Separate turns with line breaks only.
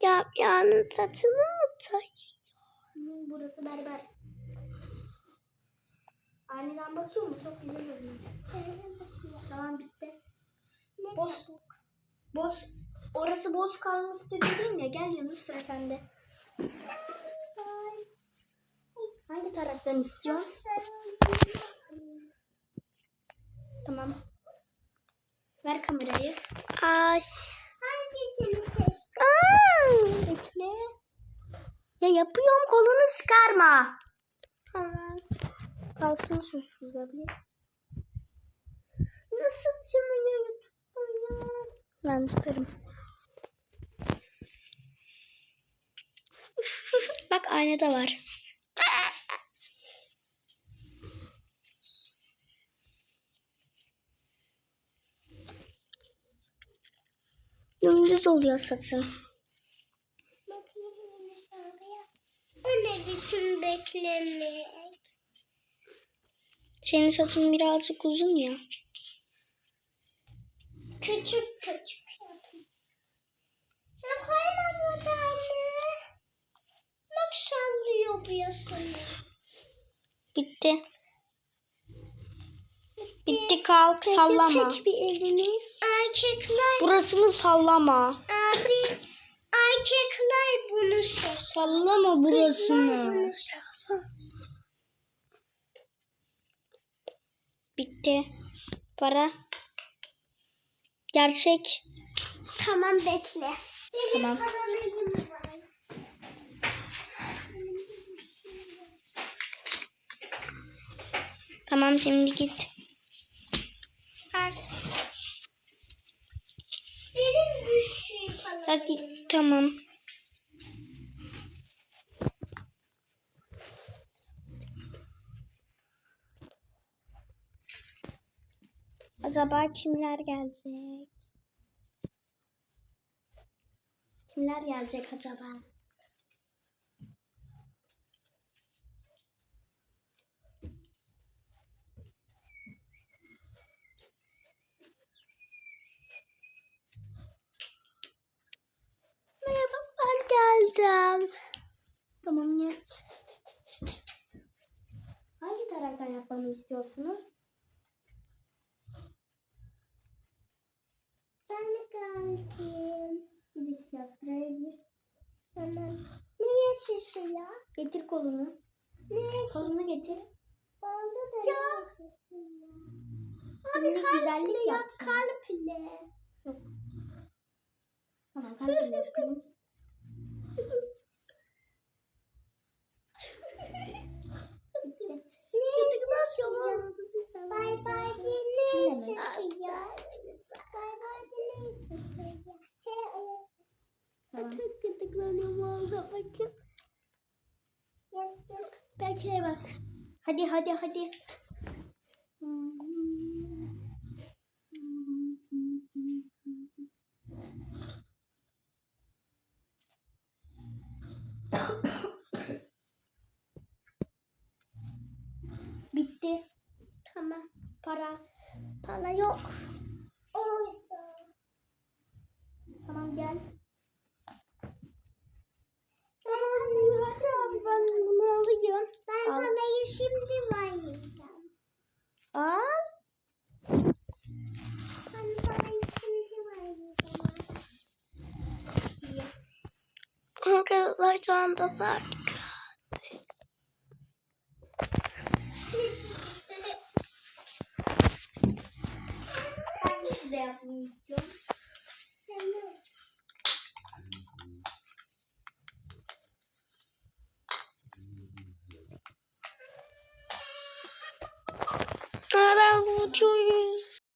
Yani saçını mı tarayacağım?
Burası berber. Aniden bakıyor mu? Çok güzel oluyor. Tamam bitti. Boş. Orası boş kalması dedim ya. Gel Yunus, sıra sende. Hangi taraftan istiyorsun? Tamam. Ver kamerayı.
Ay.
Hangisini seçtin? Bekle.
Ya yapıyorum, kolunu çıkarma.
Tamam. Kalsın şurada bir.
Nasıl çımını tuttun ya?
Ben tutarım. Bak aynada var.
Dümdüz oluyor saçın.
O ne biçim beklemek?
Senin saçın birazcık uzun ya.
Küçük yapayım. Ya koymam o da anne. Bak sallıyor bu yasını.
Bitti. Bitti, kalk.
Peki,
sallama.
tek bir elini. Erkekler.
Burasını sallama.
Abi erkekler bunu seçer.
Sallama burasını.
Bunu seçer.
Bitti. Para. Gerçek.
Tamam bekle.
Tamam. Tamam, şimdi git.
Benim bir şey falan.
Bak git, tamam. Acaba kimler gelecek? Kimler gelecek acaba? Merhaba, ben geldim.
Tamam ya. Hangi taraftan yapmamı istiyorsunuz? Ben de geldim. Bir dakika, sıraya gir. Tamam. Nereye şişiyor? Getir kolunu. Nereye kolunu getir. Onda da ya. Abi güzellik yap. Kalple. Yok. Tamam, kalple yapayım. Ne şişiyor? Bay bay ne şişiyor? Bay bay ne şişiyor? Çok gıdıklanıyorum oldu, bakın. Belki bak. Hadi. Bitti. Tamam. Para yok. Tamam gel. Ben bunu alayım. Ben parayı şimdi vermeyeceğim.
Al.
Ben parayı şimdi vermeyeceğim.
Arkadaşlar şu anda da
Hangisi de yapmayı istiyorum?
ben bu çocuğu